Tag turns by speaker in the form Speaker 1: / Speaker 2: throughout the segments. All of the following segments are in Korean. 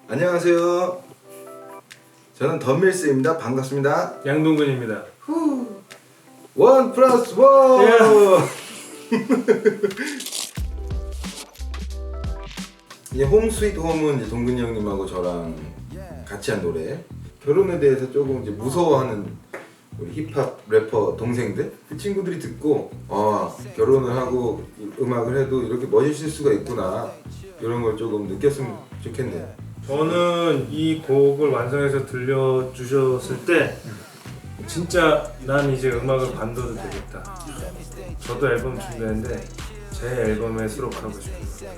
Speaker 1: 안녕하세요. 저는 덤밀스입니다. 반갑습니다.
Speaker 2: 양동근입니다.
Speaker 1: 원 플러스 원. 이제 홈 스위트 홈은 이제 동근이 형님하고 저랑 같이 한 노래. 결혼에 대해서 조금 이제 무서워하는 우리 힙합 래퍼 동생들 그 친구들이 듣고 결혼을 하고 음악을 해도 이렇게 멋있을 수가 있구나 이런 걸 조금 느꼈으면 좋겠네요.
Speaker 2: 저는 이 곡을 완성해서 들려주셨을 때 진짜 난 이제 음악을 관둬도 되겠다. 저도 앨범 준비했는데 제 앨범에 수록하고 싶어요.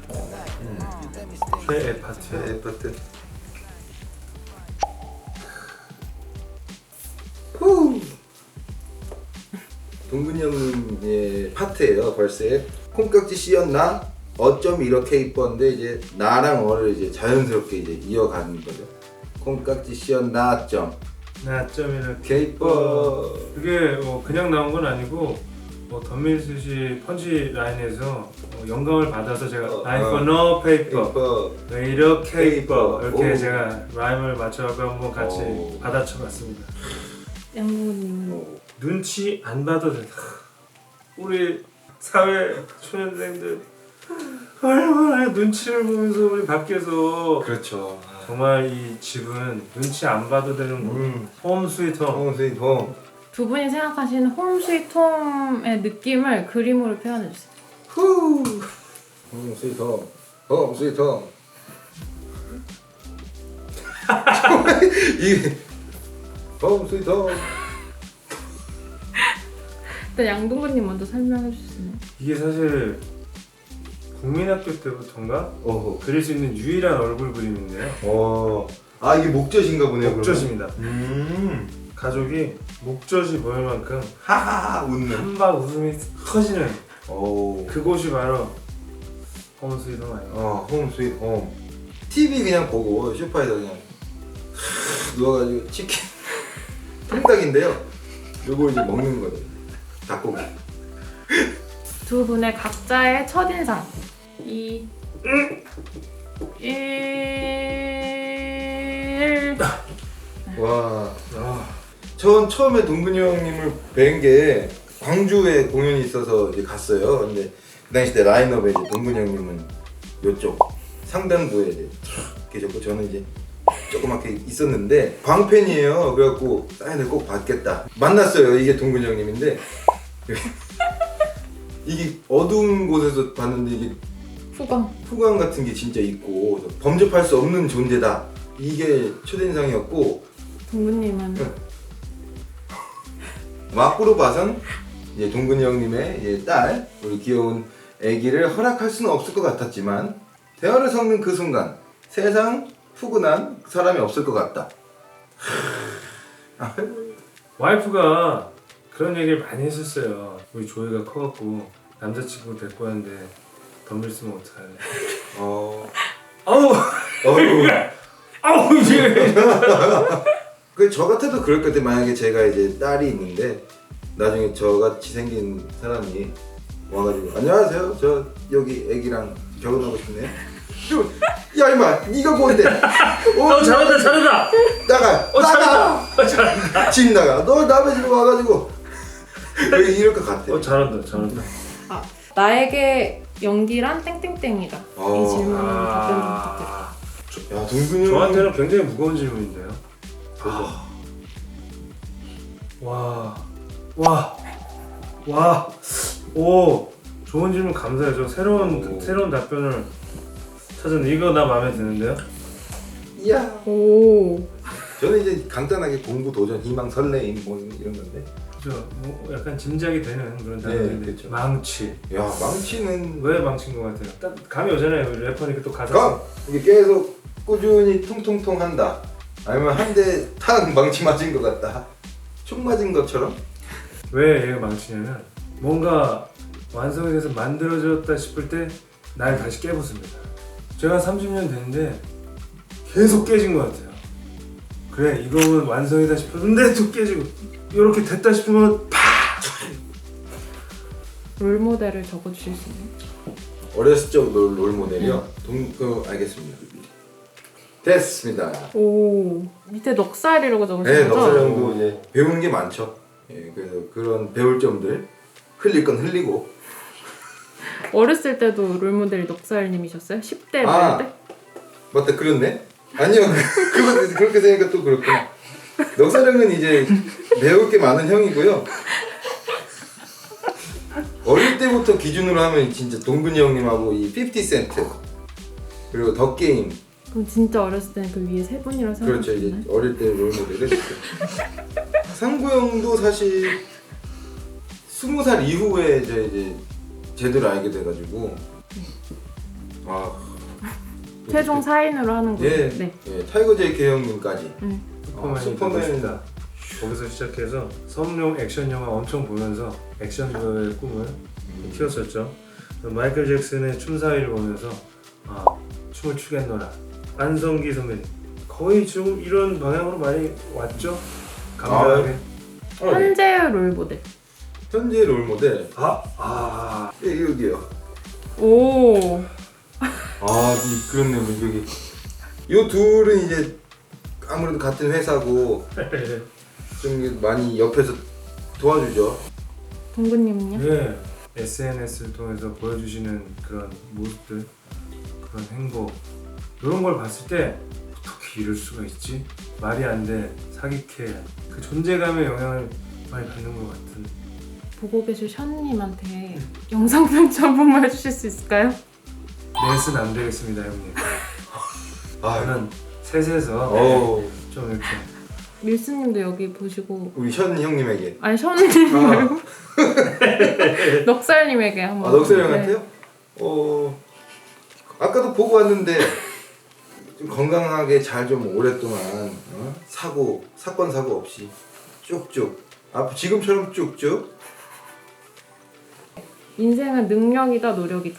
Speaker 2: 최애 파트요.
Speaker 1: 네, 파트. 후. 동근이 형님의 파트예요. 벌새 콩깍지 씌었나? 어쩜 이렇게 이뻤는데 이제 나랑 어를 이제 자연스럽게 이제 이어가는 거죠. 콩깍지 씌었나 점.
Speaker 2: 나 좀 이렇게
Speaker 1: 이렇게 이뻐.
Speaker 2: 그게 그냥 나온 건 아니고 덤밀스 씨 펀치 라인에서 영감을 받아서 제가 Life on no paper
Speaker 1: 이뻐.
Speaker 2: 왜 이렇게 이뻐 이렇게
Speaker 1: 오.
Speaker 2: 제가 라임을 맞춰갖고 한번 같이
Speaker 1: 오.
Speaker 2: 받아쳐봤습니다.
Speaker 3: 양동근님은
Speaker 2: 눈치 안 봐도 된다. 우리 사회 초년생들 얼마나 눈치를 보면서 우리 밖에서
Speaker 1: 그렇죠.
Speaker 2: 정말 이 집은 눈치 안 봐도 되는 홈 스위트 홈.
Speaker 1: 홈 스위트 홈.
Speaker 3: 두 분이 생각하시는 홈 스위트 홈의 느낌을 그림으로 표현해주세요.
Speaker 1: 후. 홈 스위트 홈. 홈 스위트 홈. 이게 홈 스위트 홈.
Speaker 3: 일단 양동근님 먼저 설명해 주시나요?
Speaker 2: 이게 사실 국민학교 때부터인가
Speaker 1: 어허.
Speaker 2: 그릴 수 있는 유일한 얼굴 그림인데요.
Speaker 1: 이게 목젖인가 보네요.
Speaker 2: 목젖입니다.
Speaker 1: 그러면.
Speaker 2: 가족이 목젖이 보일 만큼
Speaker 1: 하하하 웃는.
Speaker 2: 한박 웃음이 터지는
Speaker 1: 오.
Speaker 2: 그곳이 바로 홈 스위트 홈 아니에요.
Speaker 1: 홈 스위트 홈. TV 그냥 보고 소파에서 그냥 누워가지고 치킨 통닭인데요. 요거 이제 먹는 거죠. 닭고기.
Speaker 3: 두 분의 각자의 첫인상 2 1
Speaker 1: 와. 전 처음에 동근이 형님을 뵌 게 광주에 공연이 있어서 이제 갔어요. 근데 그 당시 때 라인업에 이제 동근이 형님은 요쪽 상단부에 이제 탁 계셨고 저는 이제 조그맣게 있었는데 광팬이에요. 그래갖고 사인을 꼭 받겠다. 만났어요. 이게 동근이 형님인데 이게 어두운 곳에서 봤는데 이게 후광 같은 게 진짜 있고 범접할 수 없는 존재다. 이게 첫인상이었고
Speaker 3: 동근님은
Speaker 1: 막구로 봐선 이제 동근이 형님의 이제 딸 우리 귀여운 아기를 허락할 수는 없을 것 같았지만 대화를 섞는 그 순간 세상 푸근한 사람이 없을 것 같다.
Speaker 2: 와이프가 그런 얘기를 많이 했었어요. 우리 조이가 커갖고 남자친구 데리고 왔는데 덤밀스면 어떡하래. 아우 이게
Speaker 1: 저 같아도 그럴 것 같아. 만약에 제가 이제 딸이 있는데 나중에 저같이 생긴 사람이 와가지고 안녕하세요. 저 여기 애기랑 결혼하고 싶네요. 야 이마 네가 뭔데?
Speaker 2: 잘한다.
Speaker 1: 나가.
Speaker 2: 잘한다.
Speaker 1: 집 나가. 너 남의 집에 와가지고 왜 이럴 것 같아.
Speaker 2: 잘한다.
Speaker 3: 나에게 연기란 땡땡땡이다. 이 질문은 답변 좀 부탁드려요.
Speaker 1: 야 동근이
Speaker 2: 저한테는 굉장히 무거운 질문인데요. 오 좋은 질문 감사해요. 저 새로운 답변을 찾았는데 이거 나 마음에 드는데요.
Speaker 1: 야.
Speaker 3: 오.
Speaker 1: 저는 이제 간단하게 공부, 도전, 희망, 설레임 뭐 이런 건데.
Speaker 2: 그죠? 약간 짐작이 되는 그런 단어인데
Speaker 1: 그렇죠.
Speaker 2: 망치.
Speaker 1: 야 망치는
Speaker 2: 왜 망친 것 같아요? 딱 감이 오잖아요. 우리 래퍼니까 또 가사.
Speaker 1: 이게 계속 꾸준히 통통통 한다. 아니면 한 대 탁 망치 맞은 것 같다. 총 맞은 것처럼.
Speaker 2: 왜 얘가 망치냐면 뭔가 완성이 돼서 만들어졌다 싶을 때 날 다시 깨부숩니다. 제가 30년 됐는데 계속 깨진 것 같아요. 그래 이거는 완성이다 싶었는데 또 깨지고 이렇게 됐다 싶으면 팍!
Speaker 3: 롤모델을 적어주실 수 있나요?
Speaker 1: 어렸을 적 롤모델이요? 알겠습니다. 됐습니다.
Speaker 3: 오 밑에 넉살이라고 적으신
Speaker 1: 네,
Speaker 3: 거죠?
Speaker 1: 넉살 형도 이제 배우는 게 많죠. 예, 그래서 그런 배울 점들 흘릴 건 흘리고.
Speaker 3: 어렸을 때도 롤모델이 넉살님이셨어요? 10대
Speaker 1: 아.
Speaker 3: 때?
Speaker 1: 맞다, 그렇네. 아니요, 그렇게 생각하니까 또 그렇구나. 넉살 형은 이제 배울 게 많은 형이고요. 어릴 때부터 기준으로 하면 진짜 동근이 형님하고 이 50센트 그리고 더 게임.
Speaker 3: 그럼 진짜 어렸을 때는 그 위에 세 분이라고
Speaker 1: 그렇죠. 이제
Speaker 3: 생각하셨나요?
Speaker 1: 어릴 때 롤모델을. 상구 형도 사실 20살 이후에 이제 제대로 알게 돼가지고
Speaker 3: 최종 4인으로 하는 거죠?
Speaker 1: 예,
Speaker 3: 네.
Speaker 1: 예, 타이거 JK 형님까지.
Speaker 2: 슈퍼맨이 슈퍼맨이다. 거기서 시작해서 섬룡 액션 영화 엄청 보면서 액션배우의 꿈을 키웠었죠. 마이클 잭슨의 춤사위를 보면서 춤을 추겠노라. 안성기 선배님 거의 지금 이런 방향으로 많이 왔죠. 감사하게.
Speaker 3: 현재의 롤모델.
Speaker 1: 현재 롤모델. 예, 여기요.
Speaker 3: 오.
Speaker 1: 그렇네, 여기. 요 둘은 이제 아무래도 같은 회사고 좀 많이 옆에서 도와주죠.
Speaker 3: 동근님은요?
Speaker 2: 네, SNS를 통해서 보여주시는 그런 모습들, 그런 행복 이런 걸 봤을 때 어떻게 이럴 수가 있지? 말이 안 돼, 사기캐 그 존재감의 영향을 많이 받는 것 같은.
Speaker 3: 보고 계실 션님한테 영상 편지 한 번만 해주실 수 있을까요?
Speaker 2: 넷은 안 되겠습니다, 형님. 저는 셋에서
Speaker 1: 어우,
Speaker 2: 좀 이렇게
Speaker 3: 밀스님도 여기 보시고
Speaker 1: 우리 션 형님에게.
Speaker 3: 아니 션님 말고 넉살님에게 한번.
Speaker 1: 넉살
Speaker 3: 네.
Speaker 1: 형한테요? 아까도 보고 왔는데 좀 건강하게 잘 좀 오랫동안 사건 사고 없이 쭉쭉 지금처럼 쭉쭉.
Speaker 3: 인생은 능력이다 노력이다.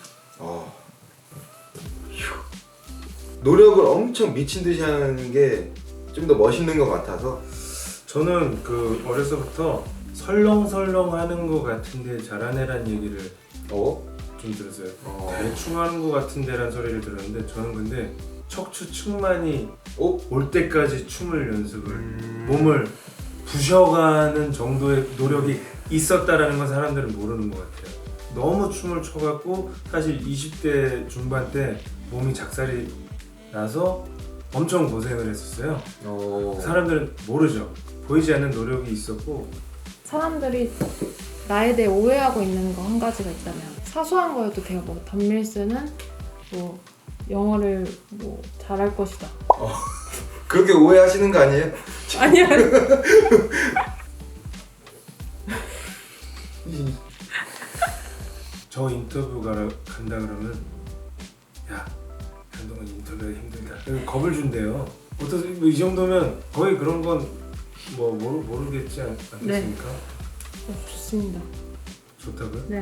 Speaker 1: 노력을 엄청 미친 듯이 하는 게 좀 더 멋있는 것 같아서.
Speaker 2: 저는 그 어려서부터 설렁설렁 하는 것 같은데 잘하네란 얘기를 좀 들었어요. 대충 하는 것 같은데란 소리를 들었는데 저는 근데 척추 측만이 올 때까지 춤을 연습을 몸을 부셔가는 정도의 노력이 있었다라는 건 사람들은 모르는 것 같아요. 너무 춤을 춰갖고 사실 20대 중반 때 몸이 작살이 나서 엄청 고생을 했었어요. 사람들은 모르죠. 보이지 않는 노력이 있었고.
Speaker 3: 사람들이 나에 대해 오해하고 있는 거 한 가지가 있다면 사소한 거여도 돼요. 뭐 단밀스는 뭐 영어를 뭐 잘할 것이다.
Speaker 1: 그렇게 오해하시는 거 아니에요?
Speaker 3: 아니야.
Speaker 2: 저 인터뷰 간다 그러면 야 한동안 인터뷰가 힘들다 겁을 준대요. 어떠세요? 이 정도면 거의 그런 건 뭐 모르겠지 않겠습니까?
Speaker 3: 네. 좋습니다.
Speaker 2: 좋다고요?
Speaker 3: 네.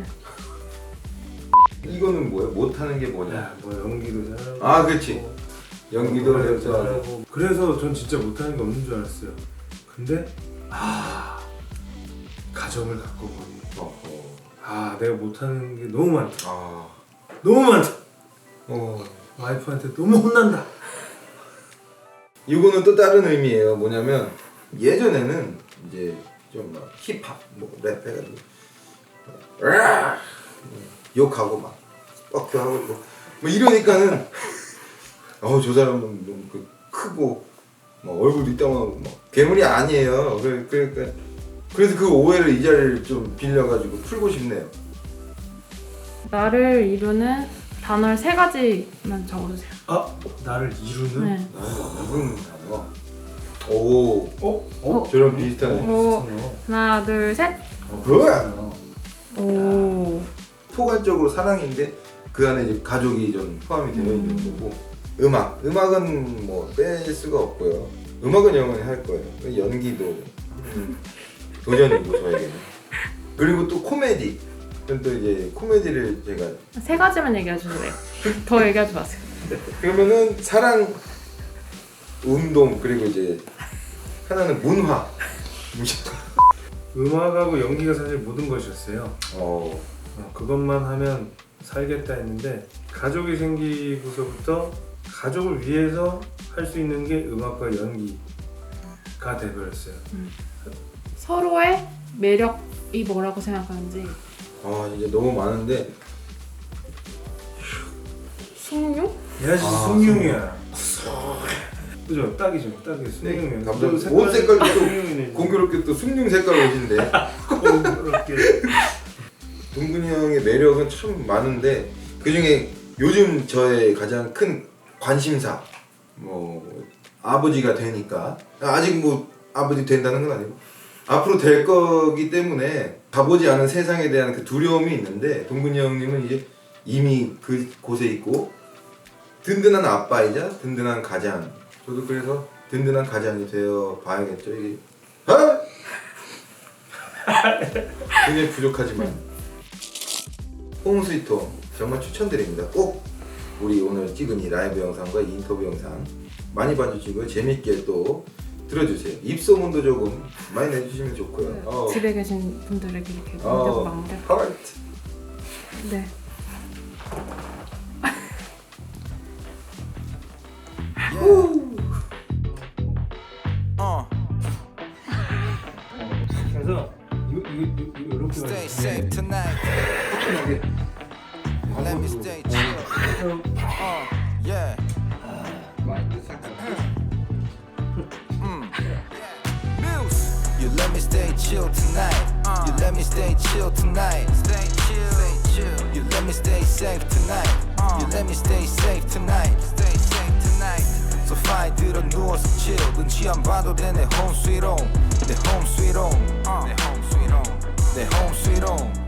Speaker 1: 이거는 뭐예요? 못하는 게 뭐냐?
Speaker 2: 야, 뭐 연기도 잘하고
Speaker 1: 그렇지. 연기도
Speaker 2: 노래도
Speaker 1: 잘하고.
Speaker 2: 그래서 전 진짜 못하는 게 없는 줄 알았어요. 근데 가정을 갖고 보니 내가 못하는 게 너무 많다. 너무 많다. 와이프한테 너무 혼난다.
Speaker 1: 이거는 또 다른 의미예요. 뭐냐면 예전에는 이제 좀 막 힙합, 뭐 랩 해가지고 욕하고 막 뻑큐하고 뭐 이러니까는 저 사람은 너무 크고 막 얼굴도 이따만하고 막 괴물이 아니에요. 그러니까 그래서 그 오해를 이 자리를 좀 빌려가지고 풀고 싶네요. 나를
Speaker 3: 이루는 단어 3가지만 적어주세요.
Speaker 2: 나를 이루는?
Speaker 3: 네.
Speaker 1: 나를 이루는 단어. 저랑 비슷하네.
Speaker 3: 하나, 둘, 셋.
Speaker 1: 뭐야?
Speaker 3: 오.
Speaker 1: 포괄적으로 사랑인데 그 안에 이제 가족이 좀 포함이 되어 있는 거고. 음악은 뭐 뺄 수가 없고요. 음악은 영원히 할 거예요. 연기도 도전이고 저에게는. 그리고 또 코미디. 또 이제 코미디를 제가
Speaker 3: 3가지만 얘기해 주세요. 더 얘기하지 마세요.
Speaker 1: 그러면은 사랑, 운동, 그리고 이제 하나는 문화.
Speaker 2: 음악하고 연기가 사실 모든 것이었어요. 그것만 하면 살겠다 했는데 가족이 생기고서부터 가족을 위해서 할 수 있는 게 음악과 연기가 돼버렸어요.
Speaker 3: 서로의 매력이 뭐라고 생각하는지.
Speaker 1: 아 이제 너무 많은데
Speaker 3: 숭늉?
Speaker 2: 얘가 진짜 숭늉이야. 그죠? 딱이죠. 딱이 숭늉이야.
Speaker 1: 네, 갑자기 옷 색깔도 또 공교롭게 또 숭늉 색깔 옷인데
Speaker 2: 공교롭게.
Speaker 1: 동근이 형의 매력은 참 많은데 그 중에 요즘 저의 가장 큰 관심사 뭐 아버지가 되니까 아직 뭐 아버지 된다는 건 아니고 앞으로 될 거기 때문에 가보지 않은 세상에 대한 그 두려움이 있는데 동근이 형님은 이제 이미 그 곳에 있고 든든한 아빠이자 든든한 가장. 저도 그래서 든든한 가장이 되어 봐야겠죠. 이게 굉장히 부족하지만 홈스위트홈 정말 추천드립니다. 꼭 우리 오늘 찍은 이 라이브 영상과 이 인터뷰 영상 많이 봐주시고요. 재밌게 또 들어주세요. 입소문도 조금 많이 내주시면 좋고요.
Speaker 3: 집에 계신 분들에게 이렇게 문자도 마무리.
Speaker 1: 하트.
Speaker 3: 네.
Speaker 2: 그래서 이렇게
Speaker 4: Stay safe tonight. Let me stay chill. Yeah. Muse. You let me stay chill tonight. You let me stay chill tonight. Stay chill. You let me stay safe tonight. You let me stay safe tonight. Stay safe tonight. So fine 들어 누워서 chill. 눈치 안 봐도 돼 내 home sweet home. 내 home sweet home. 내 home sweet home. 내 home sweet home.